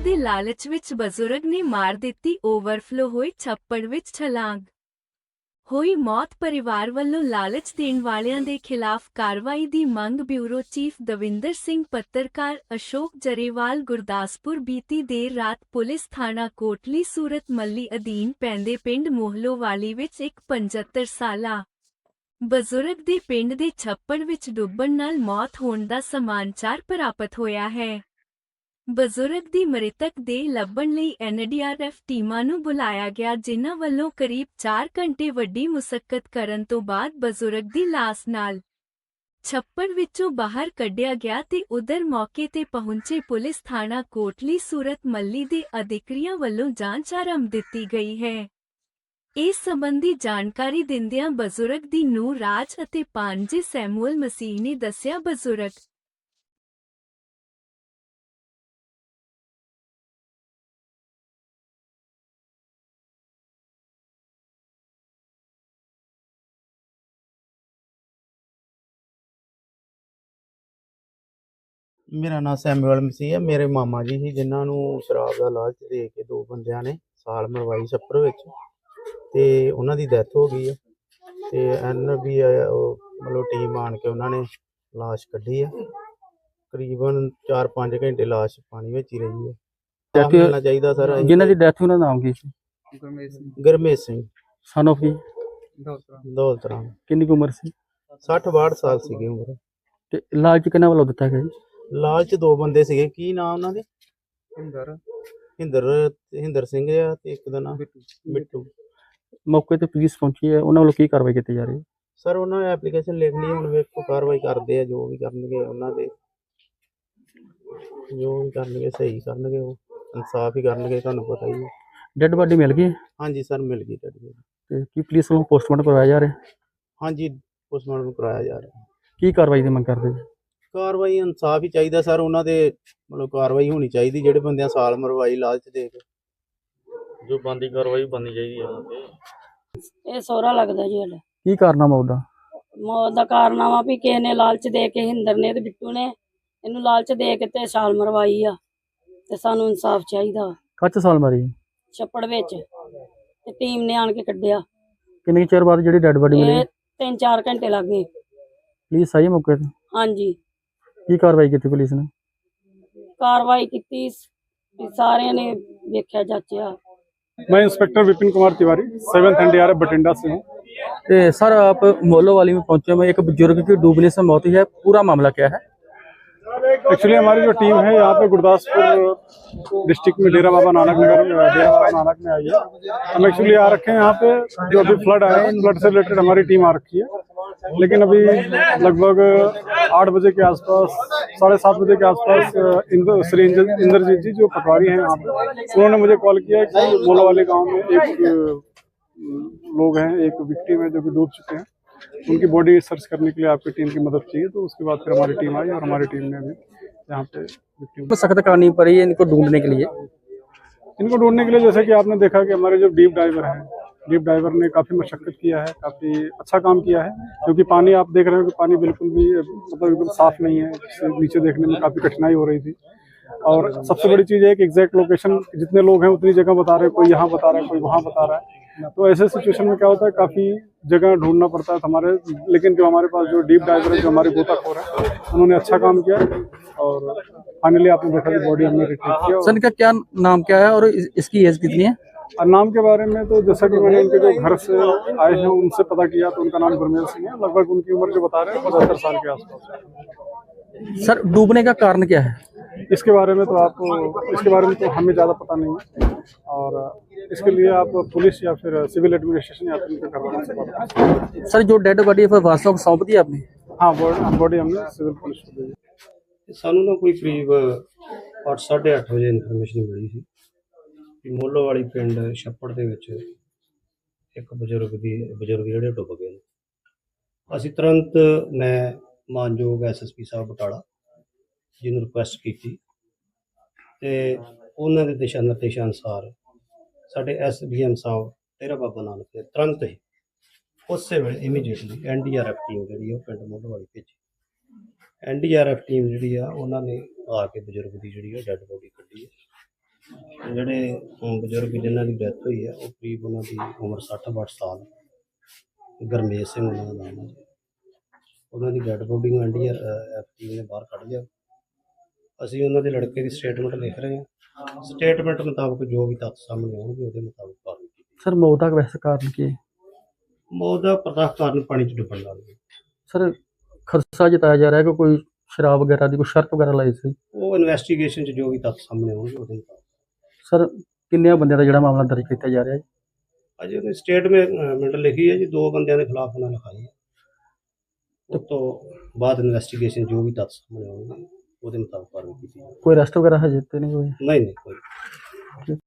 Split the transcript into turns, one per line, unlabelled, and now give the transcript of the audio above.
ਦੇ ਲਾਲਚ ਵਿੱਚ ਬਜ਼ੁਰਗ ਨੇ ਮਾਰ ਦਿੱਤੀ ਓਵਰਫਲੋ ਹੋਏ ਛੱਪੜ ਵਿੱਚ ਛਲਾਂਗ। ਹੋਈ ਮੌਤ। ਪਰਿਵਾਰ ਵੱਲੋਂ ਲਾਲਚ ਦੇਣ ਵਾਲਿਆਂ ਦੇ ਖਿਲਾਫ ਕਾਰਵਾਈ ਦੀ ਮੰਗ। Bureau chief Davinder Singh. ਪੱਤਰਕਾਰ ਅਸ਼ੋਕ ਜਰੇਵਾਲ। ਗੁਰਦਾਸਪੁਰ। ਬੀਤੀ ਦੇਰ ਰਾਤ ਪੁਲਿਸ ਥਾਣਾ ਕੋਟਲੀ ਸੂਰਤ ਮੱਲੀ ਅਧੀਨ ਪੈਂਦੇ ਪਿੰਡ ਮੋਹਲੋਵਾਲੀ ਵਿੱਚ ਇੱਕ 75 ਸਾਲਾ ਬਜ਼ੁਰਗ ਦੇ ਪਿੰਡ ਦੇ ਛੱਪੜ ਵਿੱਚ ਡੁੱਬਣ ਨਾਲ ਮੌਤ ਹੋਣ ਦਾ ਸਮਾਚਾਰ ਪ੍ਰਾਪਤ ਹੋਇਆ ਹੈ। ਬਜ਼ੁਰਗ ਦੀ ਮ੍ਰਿਤਕ ਦੇਹ ਲੱਭਣ ਲਈ ਐਨਡੀਆਰਐਫ ਟੀਮਾਂ ਨੂੰ ਬੁਲਾਇਆ ਗਿਆ, ਜਿਨ੍ਹਾਂ ਵੱਲੋਂ ਕਰੀਬ 4 ਘੰਟੇ ਵੱਡੀ ਮੁਸ਼ੱਕਤ ਕਰਨ ਤੋਂ ਬਾਅਦ ਬਜ਼ੁਰਗ ਦੀ ਲਾਸ਼ ਨਾਲ ਛੱਪੜ ਵਿੱਚੋਂ ਬਾਹਰ ਕੱਢਿਆ ਗਿਆ ਤੇ ਉਧਰ ਮੌਕੇ ਤੇ ਪਹੁੰਚੇ ਪੁਲਿਸ ਥਾਣਾ ਕੋਟਲੀ ਸੂਰਤ ਮੱਲੀ ਦੇ ਅਧਿਕਾਰੀਆਂ ਵੱਲੋਂ ਜਾਂਚ ਆਰੰਭ ਦਿੱਤੀ ਗਈ ਹੈ। ਇਸ ਸੰਬੰਧੀ ਜਾਣਕਾਰੀ ਦਿੰਦਿਆਂ ਬਜ਼ੁਰਗ ਦੀ ਨੂੰਹ ਰਾਜ ਅਤੇ ਭਾਣਜੇ ਸੈਮੂਅਲ ਮਸੀਹ ਨੇ ਦੱਸਿਆ, ਬਜ਼ੁਰਗ
मेरा नाम सैमुअल मसीह है। मेरे मामा जी ही जिन्होंने शराब का लालच दे के 2 बंदियां ने साल मरवाई छप्पर विच ते उन्हां दी डेथ हो गई है। ते NB मतलब टीम आन के उन्होंने लाश कढ़ी है। करीबन 4-5 घंटे लाश पानी में ही रही है। मिलना चाहिए सर।
जिन्हां दी डेथ उन्हां दा नाम की सी?
गुरमेश सिंह
सन ऑफ की
दौलत राम।
किन्नी की उम्र सी?
60-62 साल सी उम्र।
ते लालच किन्हां ਵੱਲੋਂ ਦਿੱਤਾ ਗਿਆ ਜੀ?
लालच 2 बंदे सीगे। की नाम उन्हां दे? हिंदर सिंह आ ते एक दा नाम मिट्टू।
मौके ते पुलिस पहुंची है, उन्हां ਵੱਲੋਂ ਕੀ ਕਾਰਵਾਈ ਕੀਤੀ ਜਾ ਰਹੀ है?
सर उन्होंने एप्लीकेशन लिख ली, हुण वेखो कार्रवाई करते हैं। जो भी करनगे उन्हां दे जो भी करनगे सही करनगे, वो इंसाफ ही करनगे। तुहानूं पता ही है।
डेड बॉडी मिल गई?
हाँ जी सर मिल गई डेड बॉडी।
ਤੇ ਕੀ ਪੁਲਿਸ ਵੱਲੋਂ ਪੋਸਟਮਾਰਟਮ ਕਰਵਾਇਆ ਜਾ ਰਿਹਾ?
हाँ जी पोस्टमार्टम कराया जा रहा है।
ਕੀ ਕਾਰਵਾਈ ਦੀ ਮੰਗ ਕਰਦੇ ਜੀ?
कार्रवाई इंसाफ ही चाहिए सर। उन्हां दे मतलब कार्रवाई होनी चाहिए। ਜਿਹੜੇ ਬੰਦਿਆਂ ਸਾਲ ਮਰਵਾਈ ਲਾਲਚ ਦੇ ਕੇ, जो बनदी कार्रवाई बननी चाहिए है उन्हां ते।
ਇਹ ਸਹੁਰਾ ਲੱਗਦਾ ਜੀ ਸਾਡਾ।
ਕੀ ਕਾਰਨਾਮਾ ਉਹਦਾ?
ਮੌਤ ਦਾ ਕਾਰਨਾਮਾ ਵੀ ਕਿਸੇ ਨੇ ਲਾਲਚ ਦੇ ਕੇ, ਹਿੰਦਰ ਨੇ ਤੇ ਬਿੱਟੂ ਨੇ ਇਹਨੂੰ ਲਾਲਚ ਦੇ ਕੇ ਤੇ ਛਾਲ ਮਰਵਾਈ ਆ ਤੇ ਸਾਨੂੰ ਇਨਸਾਫ ਚਾਹੀਦਾ।
ਕੱਚ ਸਾਲ ਮਾਰੀ?
ਛੱਪੜ ਵਿੱਚ ਤੇ ਟੀਮ ਨੇ ਆਣ ਕੇ ਕੱਢਿਆ।
ਕਿੰਨੇ ਕੁ ਚਿਰ ਬਾਅਦ ਜਿਹੜੀ ਡੈਡ ਬॉडी ਮਿਲੀ?
ਇਹ 3-4 ਘੰਟੇ ਲੱਗ ਗਏ।
ਪੁਲਿਸ ਆਈ ਮੌਕੇ ਤੇ?
ਹਾਂਜੀ
ਕੀ ਕਾਰਵਾਈ ਕੀਤੀ ਪੁਲਿਸ ਨੇ?
ਕਾਰਵਾਈ ਕੀਤੀ, ਸਾਰਿਆਂ ਨੇ ਵੇਖਿਆ ਜਾਚਿਆ।
मैं inspector Vipin Kumar Tiwari 7th NDRF Bathinda से हूँ।
तो सर आप मोहलोवाली में पहुंचे हुए, एक बुजुर्ग की डूबने से मौत हुई है, पूरा मामला क्या है?
एक्चुअली हमारी जो टीम है यहाँ पे गुरदासपुर डिस्ट्रिक्ट में डेरा बाबा नानक में आई है। हम एक्चुअली आ रखे हैं यहाँ पे। जो अभी फ्लड आया है, फ्लड से रिलेटेड हमारी टीम आ रखी है। लेकिन अभी लगभग 8 बजे के आसपास, 7:30 बजे के आसपास श्री इंद्रजीत जी जो पटवारी हैं यहाँ पे, उन्होंने मुझे कॉल किया कि मोहलोवाली गाँव में एक लोग हैं, एक विक्टिम है जो कि डूब चुके हैं, उनकी बॉडी सर्च करने के लिए आपकी टीम की मदद चाहिए। तो उसके बाद फिर हमारी टीम आई और हमारी टीम ने अभी यहाँ पे विक्टिम
तो सख्त करनी पड़ी है इनको ढूंढने के लिए?
इनको ढूंढने के लिए जैसे कि आपने देखा कि हमारे जो डीप डाइवर हैं, डीप डाइवर ने काफ़ी मशक्कत किया है, काफ़ी अच्छा काम किया है। क्योंकि पानी आप देख रहे हो कि पानी बिल्कुल भी मतलब एकदम साफ़ नहीं है, जिससे नीचे देखने में काफ़ी कठिनाई हो रही थी। और सबसे बड़ी चीज़ है कि एग्जैक्ट लोकेशन, जितने लोग हैं उतनी जगह बता रहे हैं, कोई यहाँ बता रहा है, कोई वहाँ बता रहा है। तो ऐसे सिचुएशन में क्या होता है, काफ़ी जगह ढूंढना पड़ता है हमारे। लेकिन जो हमारे पास जो डीप डाइवर है, जो हमारे गोताखोर है, उन्होंने अच्छा काम किया और फाइनली आपने देखा कि बॉडी हमने रिट्रीव किया।
सर इनका क्या नाम क्या है और इसकी एज कितनी है?
और नाम के बारे में तो जैसा कि मैंने इनके जो घर से आए हैं उनसे पता किया, तो उनका नाम गुरमेल सिंह है। लगभग उनकी उम्र जो बता रहे हैं 75 साल के आसपास।
सर डूबने का कारण क्या है?
इसके बारे में तो हमें ज़्यादा पता नहीं है। और इसके लिए आप पुलिस या फिर सिविल एडमिनिस्ट्रेशन या फिर करवाना से बात करें।
सर जो डेड बॉडी है वास्तव को सौंप दी आपने?
हाँ बॉडी हमने सिविल पुलिस को दी।
ਸਾਨੂੰ ਨਾ ਕੋਈ ਕਰੀਬ 8-8:30 ਵਜੇ ਇਨਫੋਰਮੇਸ਼ਨ ਮਿਲੀ ਸੀ ਕਿ ਮੋਹਲੋਵਾਲੀ ਪਿੰਡ ਛੱਪੜ ਦੇ ਵਿੱਚ ਇੱਕ ਬਜ਼ੁਰਗ ਜਿਹੜੇ ਡੁੱਬ ਗਏ ਨੇ। ਅਸੀਂ ਤੁਰੰਤ ਮੈਂ ਮਾਨਯੋਗ SSP ਸਾਹਿਬ ਬਟਾਲਾ ਜੀ ਨੂੰ ਰਿਕੁਐਸਟ ਕੀਤੀ ਤੇ ਉਹਨਾਂ ਦੇ ਦਿਸ਼ਾ ਨਿਰਦੇਸ਼ਾਂ ਅਨੁਸਾਰ ਸਾਡੇ SDM ਸਾਹਿਬ ਡੇਰਾ ਬਾਬਾ ਨਾਨਕ ਦੇ ਤੁਰੰਤ ਹੀ ਉਸੇ ਵੇਲੇ ਇਮੀਡੀਏਟਲੀ NDRF ਟੀਮ ਜਿਹੜੀ ਉਹ ਪਿੰਡ ਮੋਹਲੋਵਾਲੀ ਭੇਜੀ। NDRF ਟੀਮ ਜਿਹੜੀ ਆ ਉਹਨਾਂ ਨੇ ਆ ਕੇ ਬਜ਼ੁਰਗ ਦੀ ਜਿਹੜੀ ਆ ਡੈੱਡ ਬੋਡੀ ਕੱਢੀ ਹੈ ਜਿਹੜੇ ਬਜ਼ੁਰਗ ਜਿਨ੍ਹਾਂ ਦੀ ਡੈਥ ਹੋਈ ਹੈ ਉਹ ਕਰੀਬ ਉਹਨਾਂ ਦੀ ਉਮਰ 60-62 ਸਾਲ, ਗਰਮੇਸ਼ ਸਿੰਘ ਉਹਨਾਂ ਦਾ ਨਾਮ ਹੈ ਜੀ। ਉਹਨਾਂ ਦੀ ਡੈਡ ਬੋਡੀ ਨੂੰ ਐਨਡੀਆਰਐਫ ਨੇ ਬਾਹਰ ਕੱਢ ਲਿਆ। ਅਸੀਂ ਉਹਨਾਂ ਦੇ ਲੜਕੇ ਦੀ ਸਟੇਟਮੈਂਟ ਲਿਖ ਰਹੇ ਹਾਂ। ਸਟੇਟਮੈਂਟ ਮੁਤਾਬਕ ਜੋ ਵੀ ਤੱਥ ਸਾਹਮਣੇ ਆਉਣਗੇ ਉਹਦੇ ਮੁਤਾਬਕ ਕਾਰਵਾਈ ਕੀਤੀ।
ਸਰ ਮੌਤ ਦਾ ਵੈਸੇ ਕਾਰਨ ਕੀ ਹੈ?
ਮੌਤ ਦਾ ਪ੍ਰਤੱਖ ਕਾਰਨ ਪਾਣੀ 'ਚ ਡੁੱਬਣ ਨਾਲ ਹੈ।
ਸਰ ਖਦਸ਼ਾ ਜਤਾਇਆ ਜਾ ਰਿਹਾ ਕਿ ਕੋਈ ਸ਼ਰਾਬ ਵਗੈਰਾ ਦੀ ਕੋਈ ਸ਼ਰਤ ਵਗੈਰਾ ਲਾਈ ਸੀ।
ਉਹ ਇਨਵੈਸਟੀਗੇਸ਼ਨ 'ਚ ਜੋ ਵੀ ਤੱਥ ਸਾਹਮਣੇ ਆਉਣਗੇ ਉਹਦੇ ਮੁਤਾਬਕ।
ਸਰ ਕਿੰਨਿਆਂ ਬੰਦਿਆਂ ਦਾ ਜਿਹੜਾ ਮਾਮਲਾ ਦਰਜ ਕੀਤਾ ਜਾ ਰਿਹਾ ਹੈ?
ਅਜੇ ਉਹਨੇ ਸਟੇਟਮੈਂਟ ਲਿਖੀ ਹੈ ਜੀ, 2 ਬੰਦਿਆਂ ਦੇ ਖਿਲਾਫ ਉਹਨਾਂ ਲਿਖਾਈ ਹੈ। ਉਸ ਤੋਂ ਬਾਅਦ ਇਨਵੈਸਟੀਗੇਸ਼ਨ ਜੋ ਵੀ ਤੱਥ ਸਾਹਮਣੇ ਆਉਣਗੇ ਉਹਦੇ ਮੁਤਾਬਕ ਕਾਰਵਾਈ ਕੀਤੀ ਜਾਵੇਗੀ।
ਕੋਈ ਅਰੈਸਟ ਵਗੈਰਾ ਹਜੇ ਤੇ ਨਹੀਂ ਹੋਈ?
ਨਹੀਂ ਕੋਈ